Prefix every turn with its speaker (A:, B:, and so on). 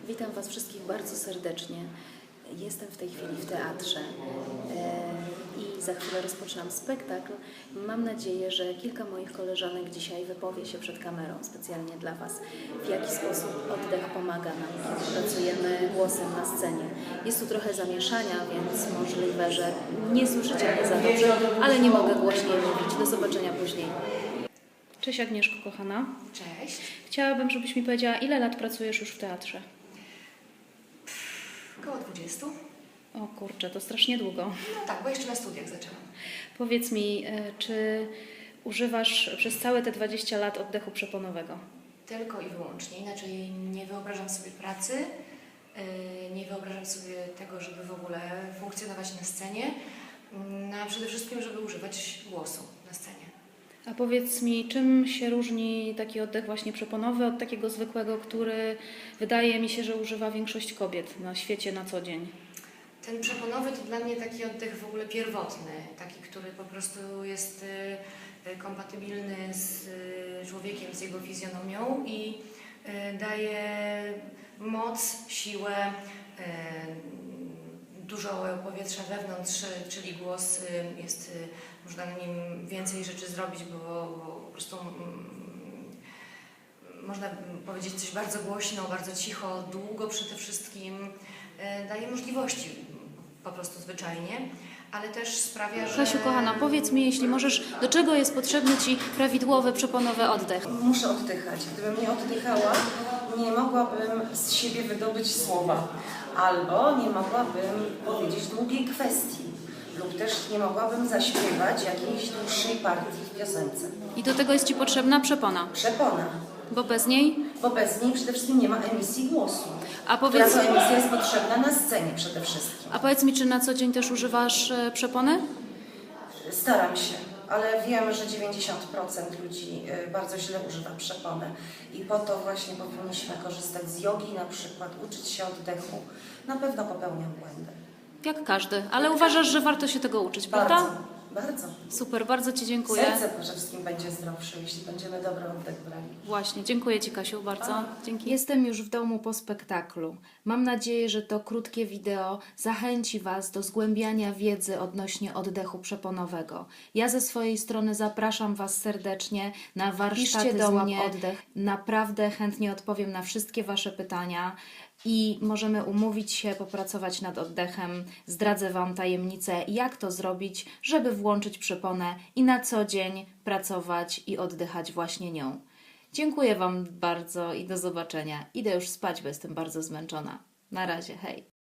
A: Witam Was wszystkich bardzo serdecznie. Jestem w tej chwili w teatrze i za chwilę rozpoczynam spektakl. Mam nadzieję, że kilka moich koleżanek dzisiaj wypowie się przed kamerą specjalnie dla Was, w jaki sposób oddech pomaga nam, kiedy pracujemy głosem na scenie. Jest tu trochę zamieszania, więc możliwe, że nie słyszycie mnie za dobrze, ale nie mogę głośniej mówić. Do zobaczenia później.
B: Cześć Agnieszko, kochana.
C: Cześć.
B: Chciałabym, żebyś mi powiedziała, ile lat pracujesz już w teatrze?
C: Około 20.
B: O kurczę, to strasznie długo.
C: No tak, bo jeszcze na studiach zaczęłam.
B: Powiedz mi, czy używasz przez całe te 20 lat oddechu przeponowego?
C: Tylko i wyłącznie. Inaczej nie wyobrażam sobie pracy, nie wyobrażam sobie tego, żeby w ogóle funkcjonować na scenie, no a przede wszystkim, żeby używać głosu na scenie.
B: A powiedz mi, czym się różni taki oddech właśnie przeponowy od takiego zwykłego, który wydaje mi się, że używa większość kobiet na świecie na co dzień?
C: Ten przeponowy to dla mnie taki oddech w ogóle pierwotny, taki, który po prostu jest kompatybilny z człowiekiem, z jego fizjonomią i daje moc, siłę, dużo powietrza wewnątrz, czyli głos jest, można na nim więcej rzeczy zrobić, bo po prostu można powiedzieć coś bardzo głośno, bardzo cicho, długo przede wszystkim, daje możliwości po prostu zwyczajnie, ale też sprawia, że...
B: Kasiu, kochana, powiedz mi, jeśli możesz, do czego jest potrzebny Ci prawidłowy, przeponowy oddech?
D: Muszę oddychać. Gdybym nie oddychała, nie mogłabym z siebie wydobyć słowa. Albo nie mogłabym powiedzieć długiej kwestii. Lub też nie mogłabym zaśpiewać jakiejś dłuższej partii w piosence.
B: I do tego jest Ci potrzebna przepona,
D: Przepona.
B: bo bez niej...
D: Bo bez niej przede wszystkim nie ma emisji głosu.
B: A
D: Która
B: powiedz,
D: to emisja jest potrzebna na scenie przede wszystkim.
B: a powiedz mi, czy na co dzień też używasz przepony?
D: Staram się, ale wiem, że 90% ludzi bardzo źle używa przepony. I po to właśnie powinniśmy korzystać z jogi na przykład, uczyć się oddechu. Na pewno popełniam błędy.
B: Jak każdy, ale uważasz, że warto się tego uczyć, prawda?
D: Bardzo.
B: Super, bardzo Ci dziękuję.
D: Serce przede wszystkim będzie zdrowsze, jeśli będziemy dobry oddech brali.
B: Właśnie, dziękuję Ci, Kasiu, bardzo. Dzięki.
E: Jestem już w domu po spektaklu. Mam nadzieję, że to krótkie wideo zachęci Was do zgłębiania wiedzy odnośnie oddechu przeponowego. Ja ze swojej strony zapraszam Was serdecznie na warsztaty
B: do
E: Złap
B: mnie.
E: Oddech. Naprawdę chętnie odpowiem na wszystkie Wasze pytania i możemy umówić się, popracować nad oddechem. Zdradzę Wam tajemnicę, jak to zrobić, żeby włączyć przeponę i na co dzień pracować i oddychać właśnie nią. Dziękuję Wam bardzo i do zobaczenia. Idę już spać, bo jestem bardzo zmęczona. Na razie, hej.